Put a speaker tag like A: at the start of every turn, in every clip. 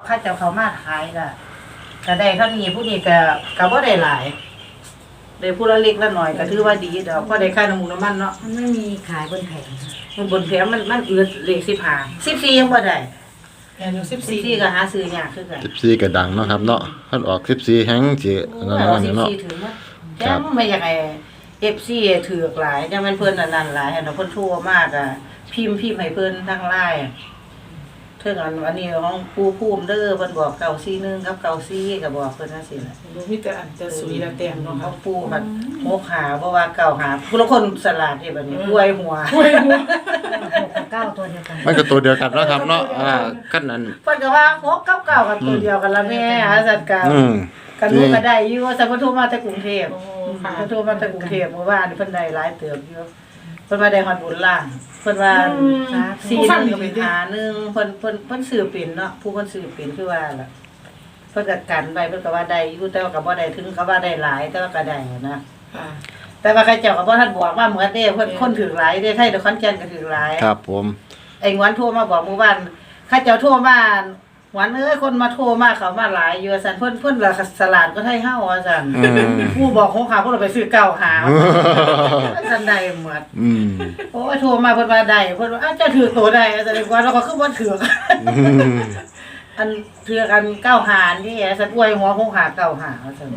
A: ข้าเจ้าเขามาขายก็ได้เท่านี้ผู้นี้ก็บ่ได้หลายได้ผู้ละเล็กละหน่อยก็ถือว่าดีดอกก็ได้ค่าน้ำมูกน้ำมันเนาะ
B: มันไม่มีขายบนแผง
A: มันบนแผงมันอืดเลข14ยังบ่ได้
C: อยู่
A: 14ก็หาซื้อยากคือกัน
D: 14ก็ดังเนาะครับเนาะคันออก14แฮงสินั่นเนาะ
A: 14ถึงว่าจังไม่อยากให้ FC ถือกหลายจังมันเพิ่นนั่นหลายเนาะเพิ่นโทรมากอ่ะพิมพ์ให้เพิ่นทาง LINEเพิ่นอันนี้ของปู่ภูมิเด้อเพิ่นบอก941กับ94ก็บอกเพิ่นจังซี่ล่ะ
C: บ่มีแต่อันจะสุยละแต้มเนาะ
A: ของปู่มันโมกหาเพราะว่า9หาผู้ละคนสลาดนี่บัดนี้รวยหัว
B: 6กับ9ตัวเดียวกัน
D: มันก็ตัวเดียวกันเนาะครับเนาะคันนั้น
A: เพิ่นก็ว่า6กับ9ก็ตัวเดียวกันละแม่สัตว์กันรู้ก็ได้อยู่ว่าสัพพทุมาแต่กรุงเทพสัพพทุมาแต่กรุงเทพเมื่อวานเพิ่นได้หลายเติบอยู่เพิ่นว่าได้ฮอดบุญล่างเพิ่นว่า4ก็เป็น5 1เพิ่นซื้อเป็นเนาะผู้เพิ่นซื้อเป็นคือว่าล่ะเพิ่นก็กันไว้เพิ่นก็ว่าได้อยู่แต่ว่าก็บ่ได้ถึงก็ว่าได้หลายแต่ว่าก็ได้นะแต่ว่าใครเจ้าก็บ่ทันบอกว่าเหมือนเด้เพิ่นคนถือหลายเด้ไทยนครแก่นก็ถือหลาย
D: ครับผม
A: ไอ้งวนโทรมาบอกเมื่อวานข้าเจ้าโทรมาหวานคนมาโทรมาเขามาหลายอยู่ซั่นเพิ่นละสลาดก็ไทยเฮาว่าซั่นผู้บอกของเขาเพิ่นไปซื้อเก่าหาซั่นได้หมดโอ้ยโทรมาเพิ่นว่าได้เพิ่นว่าเจ้าถือตัวได้แสดงว่าเราก็คือบ่ถืออันถือกันเก้าหานี่ซั่นอวยหัวของหาเก้าหาว่าซั่น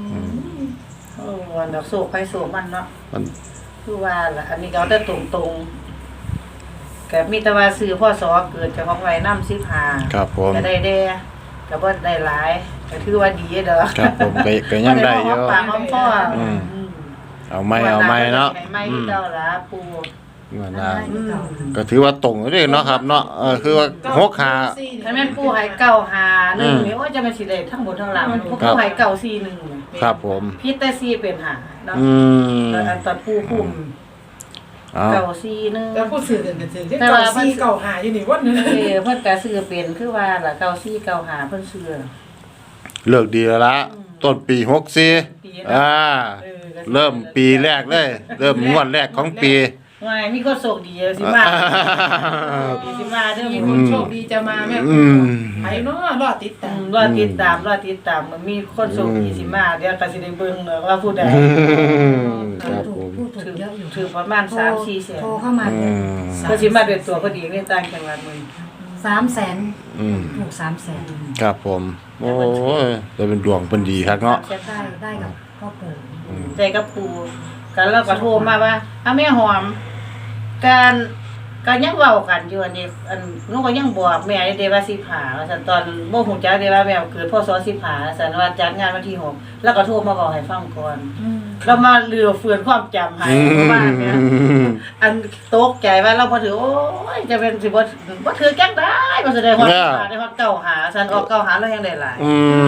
A: วันดอกโศกไปโศกมันเนาะคือว่าล่ะอันนี้ก็ได้ตรงก็มีแต่ว่าซื้อพ่อสอเกิดจากของไว้นำ15
D: ครับผม
A: ก็ได้แด่ก็บ่ได้หลายก็ถือว่าดีเด้อ
D: ครับผมก็ยังได้อยู่
A: ปากหอมพ่อ
D: เอาไม่เนาะ
A: ไม่เจ้าล่ะปู่
D: ว่าก็ถือว่าตรงเด้เนาะครับเนาะคือว่า6ขา
A: ถ้าแม่นปู่ให้951นี่โอ้จะมันสิได้ทั้งหมดทั้งหลังปู่ให้941
D: ครับผม
A: ผิดแต่4เป็น5เนาะตอนปู่คุม941
C: แล้วผู้ซื้อกันก็ซื้อแต่94 95อยู่นี่วันนึง
A: เพิ่นก็ซื้อเป็นคือว่าล่ะ94 95เพิ่นซื้อ
D: เลิกดีแล้วละต้นปี64เริ่มปีแรกเลยเริ่มงวดแรกของปี
A: ว่ามีคนโชคดีสิมาเด้อ
C: มีคนโชคดีจะมาแม่ไผเนาะรอติดตาม
A: มันมีคนโชคดีสิมาเดี๋ยวก็สิได้เบิ่งเนาะว่าผู้ใด
D: ครับผม
B: ผู้ถูกเยอะอยู่
A: ถือประมาณ 3-4 แสน
B: โทรเข้ามา
A: ก็สิมาด้วยตัวพอดีในต่างจังหวัดมึง
B: 300,000ถูก300,000
D: ครับผมโอ้ยได้เป็นดวงเพิ่นดีครับเนาะ
B: ได้กับพ่อปู่
A: ได้กับปู่กันแล้วก็โทรมาว่าแม่หอมการยังเว้ากันอยู่อันนี้หนูก็ยังบอกแม่ได้ว่าสิผ่าว่าซั่นตอนบ่ฮู้จักได้ว่าแม่เกิดพศสิผ่าซั่นว่าจัดงานวันที่6แล้วก็โทรมาบอกให้ฟังก่อนแล้วมาเรือเฟือนความจำให้บ้านเนี่ยอันตกใจว่าเราบ่ถือโอ้ยจะเป็นสิบ่ถือจังได้บ่แสดงว่าได้ฮอดเก่าหาซั่นออกเก่าหาแล้วยังได้หลาย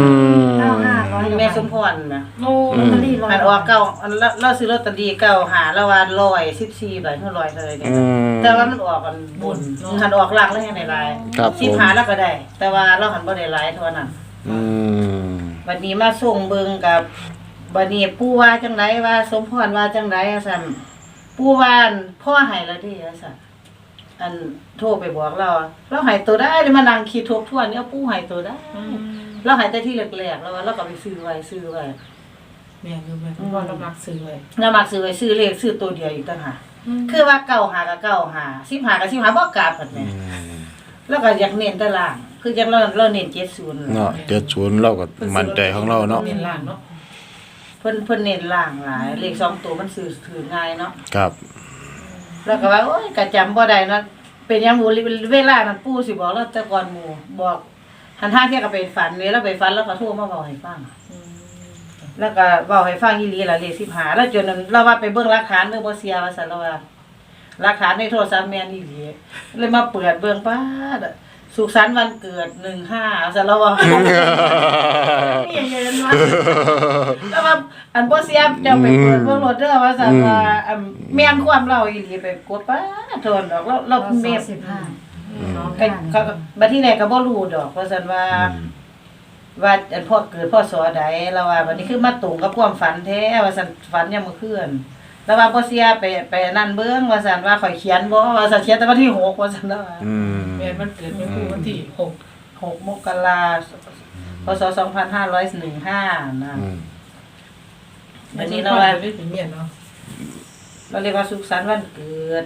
B: 9500
A: แม่สมพรน่ะ
C: โอ้
B: ลอตเตอรี่100
A: อันออกเก่าเราซื้อลอตเตอรี่เก่าหาแล้วว่า114ใบเท่า100เท่าไหร่เนี่ยแต่ว่ามันออกกันบนหันออกล่างแล้วยังได้หลาย10หาแล้วก็ได้แต่ว่าเราหันบ่ได้หลายเท่านั้นวันนี้มาส่งเบิ่งกับบัดนี้ปู่ว่าจังไดว่าสมพรว่าจังไดซั่นปู่ว่าพ่อให้แล้วดิซั่นอันโทรไปบอกเราให้ตัวได้มานั่งคิดทบทวนเนี่ยปู่ให้ตัวได้เราให้แต่ที่แรกๆแล้วเราก็ไปซื้อไว้
C: แม่อยู่แม่ว่าเรามักซื้อไว้
A: ซื้อเลขซื้อตัวเดียวอีกต่างหากคือว่า9หากับ9หา10หากับ10หาบ่กลับหั่นแหละแล้วก็อยากเน้นแต่ล่างคือจังเราเน้น70
D: เนาะ70เราก็มั่นใจของเราเนาะ
C: เน้นล่างเนาะ
A: เพิ่นเน้นล่างหลายเลข2ตัวมันซื้อถือง่ายเนาะ
D: ครับ
A: แล้วก็ว่าโอ๊ยก็จำบ่ได้เนาะเป็นหยังหมู่เวลานั้นปู่สิบอกเราแต่ก่อนหมู่บอกหันทางเที่ยก็ไปฝันนี่แล้วไปฝันแล้วก็โทรมาเว้าให้ฟังแล้วก็เว้าให้ฟังอีหลีล่ะเลข15แล้วจนเราว่าไปเบิ่งหลักฐานเด้อบ่เสียว่าซั่นเราว่าหลักฐานในโทรศัพท์แม่นอีหลีเลยมาเปิดเบิ่งป๊าดสุขสันต์วันเกิด15ซั่นเราว่านี่เย็นว่าแล้วว่าอันบ่เสียเจ้าไปเปิดเบิ่งรถเด้อว่าซั่นว่าแม่นความเราอีหลีไปกดป๊าดโทนดอกเราแม่ก็บัดที่ไหนก็บ่รู้ดอกว่าซั่นว่าอันพ่อเกิดพ่อสอใดแล้วว่าบัดนี้คือมาตรงกับความฝันแท้ว่าซั่นฝันยามมื้อคืนแล้วว่าบ่เสียไปนั่นเบิ่งว่าซั่นว่าข่อยเขียนบ่ว่าซั่นเขียนแต่วันที่6ว่าซั่นแล้ว
C: แม่นมันเกิดเป็นวันที่6
A: 6 มกราคมพศ 2515นะ
D: อืม
A: วัน
C: นี้
A: นี้
C: เรา
A: เรา
C: ว่า
A: ว่า
C: ได้ถึงเมียนเนาะ
A: เราเรียกว่าสุขสันต์วันเกิด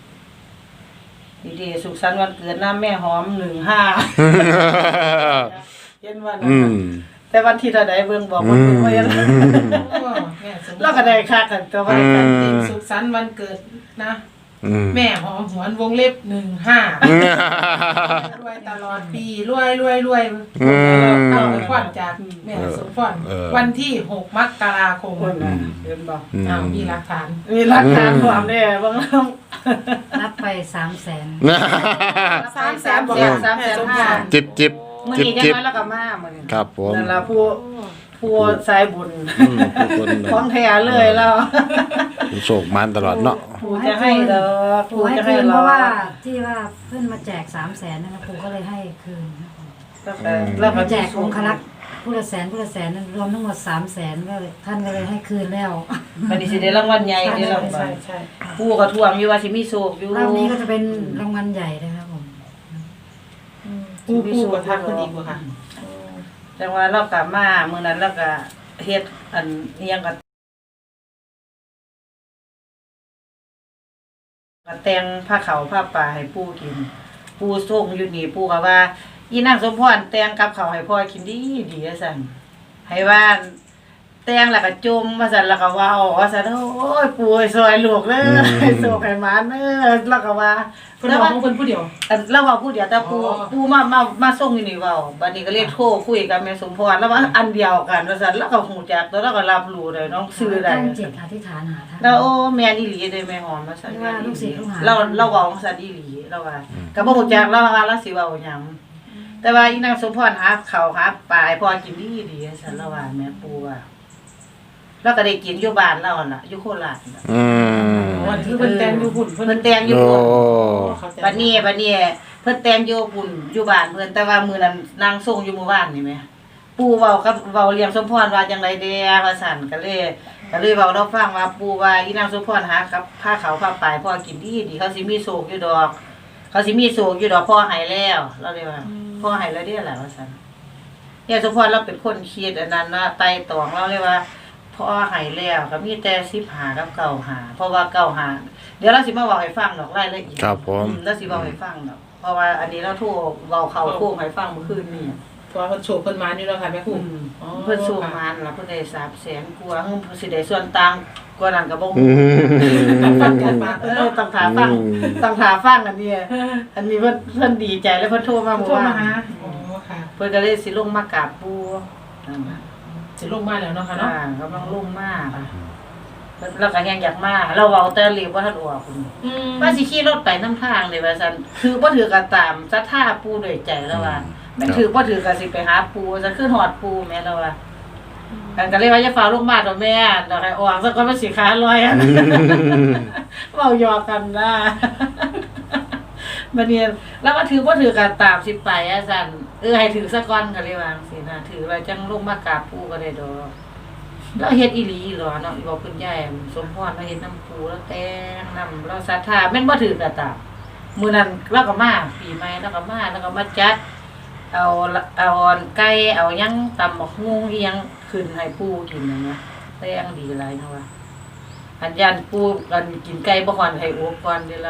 A: ดีๆสุขสันต์วันเกิดน้าแม่หอม15เย็นวันนั้น
D: อืม
A: น่ะแต่วันที่เท่าใดเบิ่งบอกว่าเพิ่นบ่ยัง
C: แม่สม
A: เราก็ได้ค่ากันตัวว่า
C: วัน
A: กัน
C: จริงสุขสันต์วันเกิดนะ
D: อืม
C: แม่หอมหวนวงเล็บ15รวยตลอดปีรวยเอาไปขวัญจากแม่สมพรวันที่6 มกราคม
A: คนน่ะเห็นบ่
C: อ้าวมีหลักฐาน
A: มีหลักฐานความแน่บางน้อง
B: นับไป300,000
C: 300,000
A: บอก300,000
D: จิบจิบ
A: มื้อ
D: จิบ
A: นี้จัง
D: จิบ
A: น้อยแล้วก็มามื้อนี้
D: ครับผม
A: นั่นล่ะผู้สายบุญ
D: อืมทุกคน
A: ของแท้เลยแล้ว
D: โศกมันตลอดเนาะ
A: ผู้จะให้ดอก
B: ปู่
A: ผู้
B: ให้
A: จะ
B: คื
A: ให้
B: นเพ
A: รอ
B: ราะว่าที่ว่าเพื่อนมาแจก300,000นะคะปู่ก็เลยให้คืนครับ
A: แล้วก็
B: มาแจกองคลักษ์ผู้ละแสนรวมทั้งหมด300,000ก็เลยท่านก็เลยให้คืนแล้ว
A: มันสิได้รางวัลใหญ่เด้อรางวัล
C: ใช่
A: ผู้ก็ทวงอยู่ว่าสิมีโชคอยู่
B: รอบนี้ก็จะเป็นรางวัลใหญ่นะครับผม
C: ผู้ก็ทักคนอีกว่าค่ะ
A: จังว่าเรากลับมามื้อนั้นเราก็เฮ็ดอันอิหยังก็แต่งผ้าขาวผ้าป่าให้ปู่กินปู่ส่งอยู่นี่ปู่ก็ว่าอีนางสมพรแต่งกับข้าวให้พ่อกินดีดีว่าซั่นให้ว่าแต่งแล้วก็จมว่าซั่นแล้วก็เว้าว่าซั่นโอ้ยปู่ซอยลูกเด้อให้โชคให้หมาเด้อแล้วก็ว่า
C: เพิ่นบอกของเพิ่นผู้เดียว
A: อันเราเว้าผู้เดียวแต่ปู่
C: อ๋อ
A: ปู่มาส่งอยู่นี่เว้าบัดนี้ก็เลยโทรคุยกับแม่สมพรแล้วว่าอันเดียวกันว่าซั่นแล้วก็ฮู้จักตัวแล้วก็รับรู้ได้น้องชื่อได้
B: ตั้งจิตอธิษฐานหาท่าน
A: แล้วโอ้แม่นอีหลีเด้แม่หอมว่าซั่น
B: ว่าลูกศิษย์ลูกหา
A: เราเว้าซั่นอีหลีเราว่าก็บ่ฮู้จักเราว่าเราสิเว้าหยังแต่ว่าอีนางสมพรหาข้าวหาปลาให้พ่อกินดีๆซั่นเราว่าแม่ปู่ว่าแล้วก็ได้กินอยู่บ้านเราหั่นล่ะอยู่โคราชน่ะ
D: อืม
C: วันที่เพิ่นแต่งอยู่หุ่น
A: เพิ่นแต่งอยู่
D: โอ้
A: พุ่น บัดนี้เพิ่นแต่งอยู่ปุ่นอยู่บ้านเพิ่นแต่ว่ามื้อนั้นนางส่งอยู่หมู่บ้านนี่แหมปู่เว้ากับเว้าเลี้ยงสมพรว่าจังได๋แด่ว่าซั่นก็เลยเว้าเราฟังว่าปู่ว่าอีนางสมพรหากับผ้าขาวผ้าปลายพ่อกินดีเขาสิมีโศกอยู่ดอก เขาสิมีโศกอยู่ดอกพ่อให้แล้วเราเลยว่าพ่อให้แล้วเด้อล่ะว่าซั่นยายสมพรเราเป็นคนคิดอันนั้นนะไต่ตองเราเลยว่าพ่อให้แล้วก็มีแต่15กับ95เพราะว่า95เดี๋ยวเราสิมาเว้าให้ฟังดอกรายละเอียด
D: ครับผม
A: แล้วสิเว้าให้ฟังดอกเพราะว่าอันนี้เราโทรเว้าเข้าโค้งให้ฟังเมื่อคืนนี้
C: เพราะว่าเพิ่นโชว์เพิ่นมาอยู่แล้วค่ะแม่ครู
A: เพิ่นสู้มานล่ะเพิ่นได้300,000กว่าเพิ่นสิได้ส่วนต่างกว่านั้นก็บ่
D: อื
A: ฮู้
C: ต้อง
D: ม
C: ฟังกันมา
A: ต้องถามฟังต้องถามฟังอันนี้อันนี้เพิ่นดีใจแล้วเพิ่นโทรมาเมื่อ
C: โทร
A: วา
C: มาหาน อ๋อค่ะ
A: เพิ่นก็เลยสิลงมากราบปู่นั่นน่ะ
C: สิลงมาแล้วเนาะค่ะเนาะ
A: กำลังลงมาค่ะเพิ่นเราก็ยังอยากมาเราเว้าแต่เรียกบ่ทันออกพุ่นว่าสิขี่รถไปนำทางเลยว่าซั่นคือบ่ถือก็ตามศรัทธาปู่ด้วยใจแล้วว่ามันถือบ่ถือก็สิไปหาปู่ซะคือฮอดปู่แม่แล้วว่ากันก็เลยว่าอย่าฟ้าลงมาดอกแม่ดอกให้ออกซะก่อนมันสิขาลอยอะ เว้าหยอกกันนะบัดนี้แล้วก็ถือบ่ถือกันตามสิไปอะซั่นให้ถือซะก่อนก็เลยว่าจังซี่นะถือไว้จังลงมากราบปู่ก็ได้ดอกแล้วเฮ็ดอีหลีเหรอเนาะอีบอกคุณยายสมพรมาเฮ็ดน้ำปู่แล้วแต่งน้ำเราศรัทธาแม่นบ่ถือก็ตามมื้อนั้นเราก็มาปีใหม่เราก็มาแล้วก็มาจัด เอาไก่เอาหยังตำบักฮุ่งอีหยังขึ้นให้ปู่กินนั่นนะแต่ยังดีหลายเนาะว่าอันยันปู่กันกินไก่บ่ฮอนให้โอกก่อนเด้อแล้ว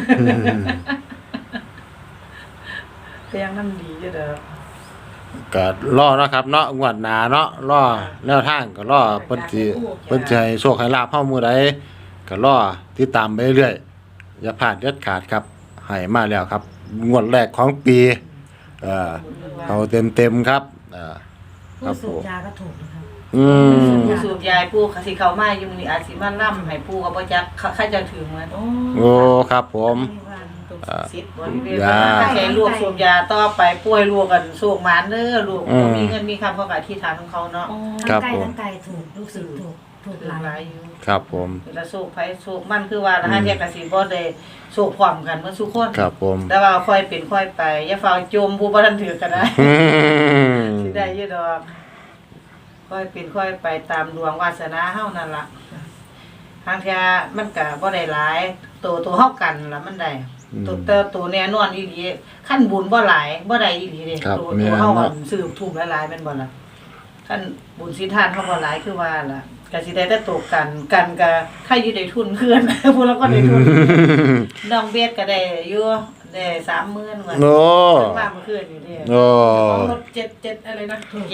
A: แต่ยังนำดีอยู่เด้อ
D: ก็รอเนาะครับเนาะงวดหน้าเนาะรอแนวทางก็รอเพิ่นสิให้โชคให้ลาภเฮามื้อใดก็รอติดตามไปเรื่อยอย่าพลาดเด็ดขาดครับให้มาแล้วครับงวดแรกของปีเอาเต็มๆครับค
B: ผู้
D: รับ
B: สู
D: ผ
B: บ
D: ม
B: ยาก็ถูกนะครับ
D: อืม
A: ผู้สูบยายปู่ก็สิเข้ามาอยู่มื้อนี้อาจสิมาล่ำให้ปู่ก็บ่จักใครจะถึงมัน
D: โอ้ครับผม
C: สิทธิ์
A: บริเวณว่าแค่ลูกสูบยาต่อไปป่วยลูกกันสูบหมานเด้อลูกบ่มีเงินมีคำเขาก็อธิษฐานของเขาเนาะ
B: ทั้งไก่ทั้งไก่ถูกลูกศิษย์ถูก
A: ถูก
B: หลา
A: หลาย
B: ย
A: อยู่
D: ครับผม
A: เวลาสูบไผสูบมันคือว่าละหาเที่ยก็สิบ่ได้สูบพร้อมกันเมื่อทุกคน
D: ครับผม
A: แต่ว่าค่อยเป็นค่อยไปอย่าฟ้าวจมผู้บ่ทันถือก็ได้
D: อืม
A: สิได้อยู่ดอกค่อยเป็นค่อยไปตามดวงวาสนาเฮานั่นล่ะทางเที่ยมันก็บ่ได้หลายตัวเฮากันล่ะมันได้ตัวแน่นอนอีหลีขั้นบุญบ่หลายบ่ได้อีหลีเด้
D: ครับ
A: ตัว
D: แม่น
A: เฮา
D: เนาะ
A: สืบทุ่มหลายๆแม่นบ่ล่ะขั้นบุญสิทานเฮาบ่หลายคือว่าล่ะก็สิได้แต่ตกกันก็ใครอยู่ได้ทุนเพื่อน ผู้เราก็ได้ทุนน้องเบสก็ได้อยู่ได้ 30,000ว่า
D: โอ้
A: มาเมื่อคืนอยู่เด้
D: โอ้
C: รถ7อะไรนะ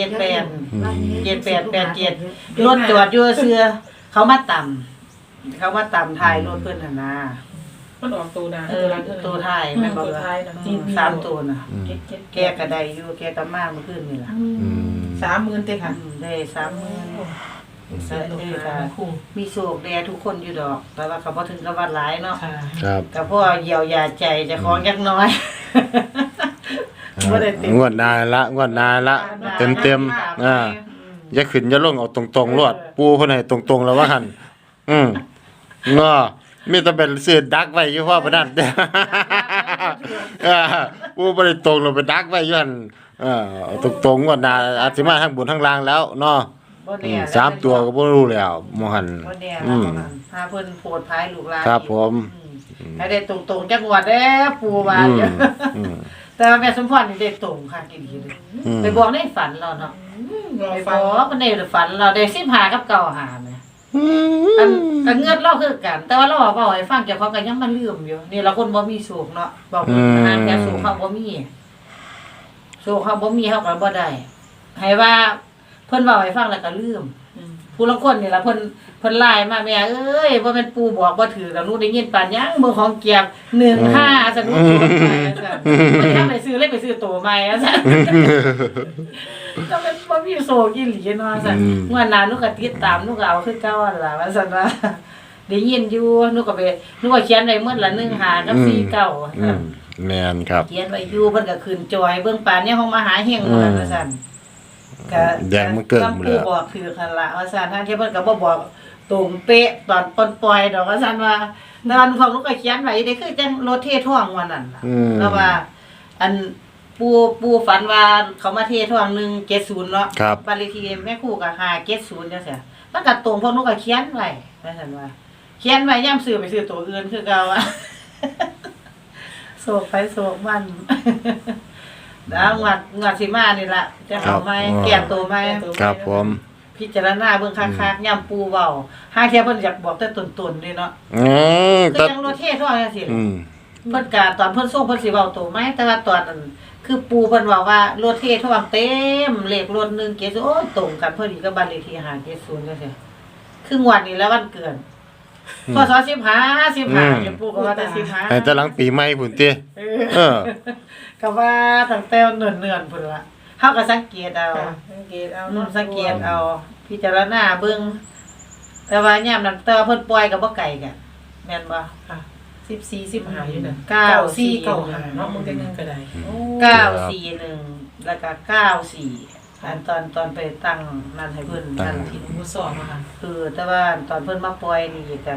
A: รถจอดอยู่เสื้อเขามาต่ำถ่ายรถเพิ่นน่ะนะ
C: มันออกตัวนะ
A: ตัวถ่ายแม่นบ่
C: ตัว
A: ล่ะ
C: ท้ายนะ
A: 3ตัวน่ะแกก็ได้อยู่แกก็มาเมื่อคืนนี่ล่ะ
D: อืม
C: 30,000เต้ค่ะ
A: ได้ 30,000
C: คู่
A: มีโศกแดทุกคนอยู่ดอก แต่ว่าเขาบ่ถึงกับว่าหลายเนาะ
C: ค่ะ
D: ครับ
A: ก็พอเยียวยาใจเจะของจักหน้อยบ่ได้เต็ม
D: งวดหน้าละเต็มอย่าขึ้นอย่าลงเอาตรงๆรวดปูเพิ่นให้ตรงๆแล้วว่าหั่นเนาะมีแต่เป็นซื้อดักไว้อยู่พอปานนั้น ปูบ่ได้ตรงลงไปดักไว้อยู่หั่นเอาตรงๆงวดหน้าอาจสิมาทั้งบนทั้งล่างแล้วเนาะ
A: บ่แน่
D: สามตัวก็บ่รู้แล้วหมอหั่น
A: บ่แน่
D: อืม
A: หาเพิ่นโพดภายลูกหลาน
D: ครับผม
A: ให้ได้ตรงๆจักงวดเด้ปูว่า
D: อืม
A: อยู่
D: อืม
A: แต่ว่าแม่สมพรนี่ได้ตรงค่ะกินดีเลย
D: อืม
A: ไปบอกในฝันเราเนาะ
C: รอ
A: ไป
C: ฟั
A: บ
C: ง
A: อกมันในฝันเราได้15กับ9หาแม่อันก็เงินเราคือกัน แต่ว่าเราบอกว่าให้ฟังเจ้าของก็ยังมาลืมอยู่นี่เราคนบ่มีสุขเนาะบอกว่าหาแค่สุขเขาบ่มีสุขเขาบ่มีเขาก็บ่ได้ให้ว่าเพิ่นเว้าให้ฟังแล้วก็ลืมผู้ลางคนนี่ล่ะเพิ่นไลน์มาแม่เอ้ยบ่แม่นปู่บอกบ่ถือแล้วหนูได้ยินปานยังเบิ่งของเกียบ15ซะหนูโจรไปซั่นบ่ได้ไปซื้อเลยไปซื้อตัวใหม่ซั่น ก็เป็นบ่มีโซกินหลีเนาะซั่น
D: อืม
A: เมื่อนั้นหนูก็ติดตามหนูก็เอาคือเก่าหั่นล่ะว่าซั่นว่าได้ยินอยู่หนูก็เขียนไว้หมดละ15กับ49
D: อืมแม่นครับ
A: เขียนไว้อยู่เพิ่นก็ขึ้นจอยเบิ่งปานนี้ห้องมหาเฮงหมดแล้วว่าซั่นก็
D: แดงมันเกิดหมดแล้ว
A: ผู้บอกคือคั่นล่ะว่าซั่นทางที่เพิ่นก็บ่บอกตรงเป๊ะตอนปล่อยดอกว่าซั่นว่าแต่ว่าของหนูก็เขียนไว้ได้คือจังรถเทท่วงวันนั้นล่ะ
D: อืม
A: แล้วว่า อันปูฝันว่าเขามาเทท่วง170เนาะ
D: ครับ
A: บ้านเลขที่แม่ครูก็570จังซี่มันก็ตรงพวกหนูก็เขียนไว้ว่าซั่นว่าเขียนไว้ยามซื้อไปซื้อตัวอื่นคือเก่าอะ โศกไปโศกมัน แล้วงวดสิมานี่ล่ะจะเอาไหม
D: ครับ
A: แก้ตัวไหม
D: ครับผม
A: พิจารณาเบิ่งคักๆย่ำปูเว้าห้าเที่ยเพิ่นอยากบอกแต่ต้นๆนี่เนาะ
D: อืม
A: คือจังรถเทท่วงจังซี่
D: อืม
A: เพิ่นก็ตอนเพิ่นส่งเพิ่นสิเว้าตัวไหมแต่ว่าตอนนั้นคือปูเพิ่นเว้าว่ารถเทท่วงเต็มเลขรถ170โอ้ยตรงกันพอดีกับบ้านเลขที่570จังซี่คืองวดนี้แล้ววันเกิดพศ15เดี๋ยวปูก็ว่าแต่15
D: ให้แต่หลังปีใหม่พุ่นติเออ
A: ก็ว่าตั้งแต่เนิ่นๆพุ่นล่ะเฮาก็สังเกตเอา
C: สังเกตเอา
A: สังเกตเอาพิจารณาเบิ่งแต่ว่ายามนั้นแต่ว่าเพิ่นปล่อยก็บ่ไกลกันแม่นบ่
C: ค่ะ14 15อยู่น่ะ
A: 94
C: 9495เนาะมึงได้นึงก็ได้โอ้
A: 941แล้วก็94อันตอนไปตั้งนั่นให้เพิ่นนั่นที่
C: หมูสอบอะค่ะ
A: คือแต่ว่าตอนเพิ่นมาปล่อยนี่ก็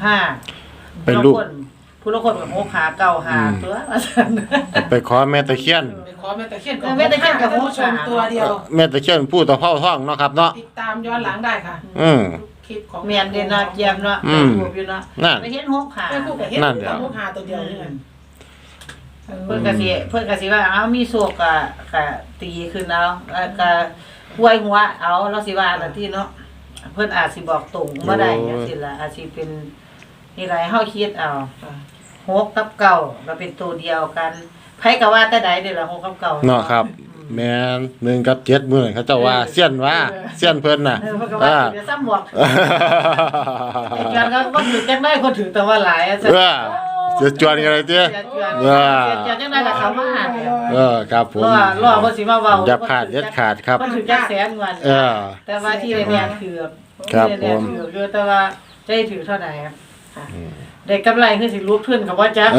A: 65
D: เป็นลูก
A: ผู้ละคนก็65 95ตัวว่าซั่น
D: ไปขอแม่ตะเคียน
C: ไปขอแม่ตะเคียน
A: แม่ตะเคียนกับ
C: ท่านผู้ชมตัวเดียว
D: แม่ตะเคียนผู้ตะเภาท้องเนาะครับเนาะ
C: ติดตามย้อนหลังได้ค่ะ
D: อืม
C: คลิปของ
A: แม่นเด้เนาะเจียมเนาะ
D: อื
A: ไป
D: ม
A: รูปอยู่เนาะ
D: นั่น
A: ไปเห็น65
C: แม่คู่กับเฮ็ด
D: นั่นเดี๋ยว
C: ลูกหาตัวเดียวนี่แหละ
A: เพิ่นก็สิว่าเอามีโศกก็ตีขึ้นเอาแล้วก็ป่วยหัวเอาเราสิว่าล่ะที่เนาะเพิ่นอาจสิบอกตรงบ่ได้จังซี่ล่ะอาจสิเป็นนี่หลายเฮาคิดเอา6กับ9ก็เป็นตัวเดียวกันไผก็ว่าแต่ใดเด้ล่ะ6กับ9
D: เนาะครับ แม่น1กับ7มื้อนั้นเขาเจ้าว่าเซียนว่าเซียนเพิ่นน่ะ
A: เพิ่นก็ว่าสิซ้ำบอกไอ้จวนก็บ่ถือจังได๋คนถือแต่ว่าหลายอะ
D: เออจะจวนกันเลยติ
A: เออจังได๋ก็เข้ามาหาเนี่ย
D: ครับผม
A: รอบ่สิมาเว้า
D: อย่าพลาดเด็ดขาดครับ
A: มันถือจักแสนวัน
D: เออ
A: แต่ว่าที่แน่ๆถือ
D: ครับ
A: แน่ๆ
D: ผม
A: ถืออยู่แต่ว่าจะได้ถือเท่าใดครับได้กำไรคือสิลุกขึ้นก็บ่จัก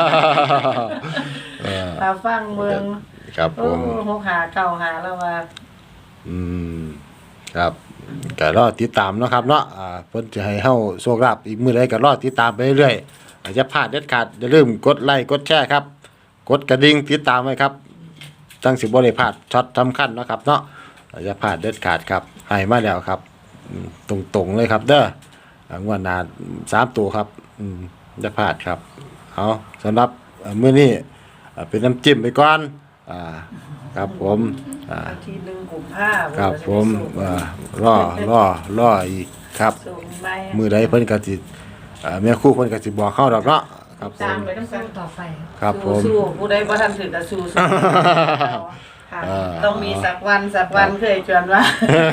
D: เออ
A: ตาฟังเมือง
D: ครับผ
A: โอ้
D: ม
A: 6หา9หาแล้วว่า
D: อืมครับก็รอติดตามเนาะครับเนาะเพิ่นจะให้เฮาโชคลาภอีกมื้อใดก็รอติดตามไปเรื่อยๆอย่าพลาดเด็ดขาดอย่าลืมกดไลค์กดแชร์ครับ กดกระดิ่งติดตามไว้ครับจังสิบ่ได้พลาดช็อตสำคัญเนาะครับเนาะอย่าพลาดเด็ดขาดครับให้มาแล้วครับตรงๆเลยครับเด้องวดหน้า3ตัวครับอย่าพลาดครับเอาสำหรับมื้อนี้เป็นน้ำจิ้มไปก่อนครับผม
A: วันที่1กุมภาพันธ์
D: ครับผมรออีกครับ
A: ส่งไป
D: มื้อใดเพิ่นก็สิแม่ครูเพิ่นก็สิบอกเข้าดอกเนาะครับผ
A: ตาม
D: ม
A: ไปต้อง
B: สู้ต่อไป
D: ครับผม
A: สู้ๆผู้ใดบ่ทันถึงก็สู้ๆค่ะต้องมีสักวันเคยชวนว่า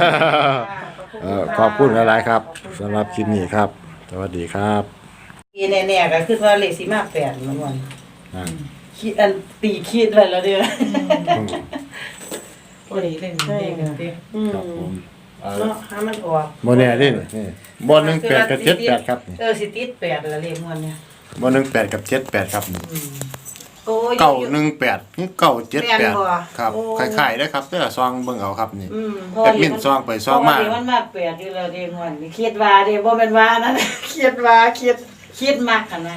D: ขอบคุณหลายๆครับสำหรับคลิปนี้ครับ สวัสดีครับ
A: อีแน่ๆก็คือว่าเลขสิมา8มันวัน
D: อ่า
A: คิดอันตีคิดไว้แล้วเด้อ
C: โอ้ยเล่นเด็กกันดิ
D: ครับผม
A: เนาะให้มันออก
D: บ่แน่เด้นี่บ่18กับ78ครับนี่
A: สิติด8ละเลขม่วนเนี่ย
D: บ่18กับ78ครับนี่
A: โอ้ย
D: 918คือ978ครับคล้ายๆเด้อครับเด้อซองเบิ่งเอาครับนี่ แอดมินซองไปซองมา
A: เพระว่มันมา8อยู่แล้วเด้ม่วนนี่คิดว่าเด้บ่แม่นว่านั่น คิดมากกันนะ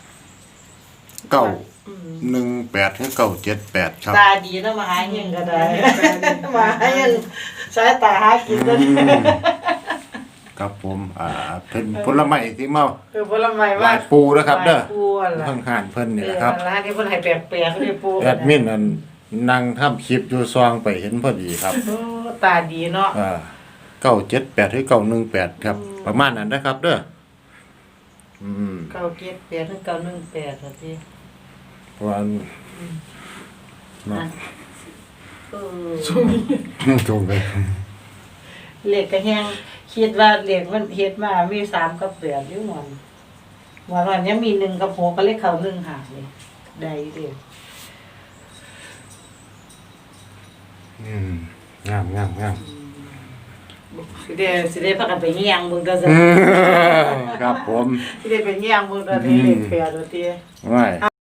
D: 918คือ978ครับ
A: ตาดีเนาะมาหาเงินก็ได้ มาหาเงินสายตาหากินก็ได้
D: ครับผมเป็นผลไม้ที่มา
A: คือผลไม้
D: ห
A: ว่า
D: ลายปูนะครับเด้อ
A: ปูล่ะ
D: เพิ่งหานเพิ่นนี่แหละครับ
A: ร้านนี้เพิ่นให้แปลกๆเลยปู
D: แอดมินนั่นนั่งทำคลิปอยู่ซองไปเห็นพอดีครับ
A: โอ้ตาดีเนาะ
D: 978หรือ918ครับ ประมาณนั้นนะครับ เด้ออืม
A: 978ถึง918ว่าติ
D: เพราะว่าเนาะ
A: เออ
D: จงไป
A: เลขก็แฮงคิดว่าเลขมันเฮ็ดมามี3กับ8อยู่หม่อนว่าวันนี้มี1กับ6ก็เลขเข้า1หาเลยได้เด้อ
D: งาม
A: สิได้พากันไปเฮียงเบิ่งก็ซะ
D: ครับผม
A: สิได้ไปเฮียงเบิ่งก็ได้เลข8ว่าติ
D: ไว้